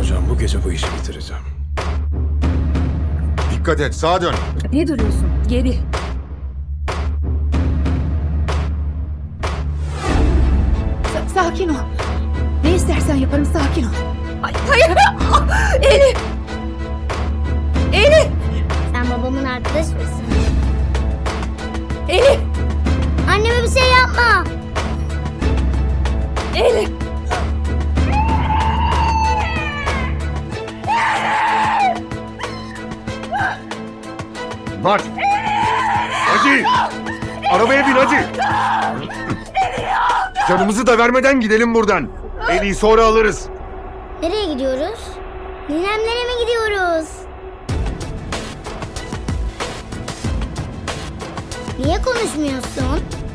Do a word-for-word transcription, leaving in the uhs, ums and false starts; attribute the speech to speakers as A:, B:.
A: Hocam bu gece bu işi bitireceğim.
B: Dikkat et, sağa dön.
C: Ne duruyorsun? Geri. Sa- sakin ol. Ne istersen yaparım, sakin ol. Ay, hayır! Ah, Elif! Elif!
D: Sen babamın arkadaşı mısın?
C: Elif!
D: Anneme bir şey yapma.
C: Elif!
B: Bak. Hadi. Arabaya bin hadi. Canımızı da vermeden gidelim buradan. Eli'yi sonra alırız.
D: Nereye gidiyoruz? Ninemlere mi gidiyoruz? Niye konuşmuyorsun?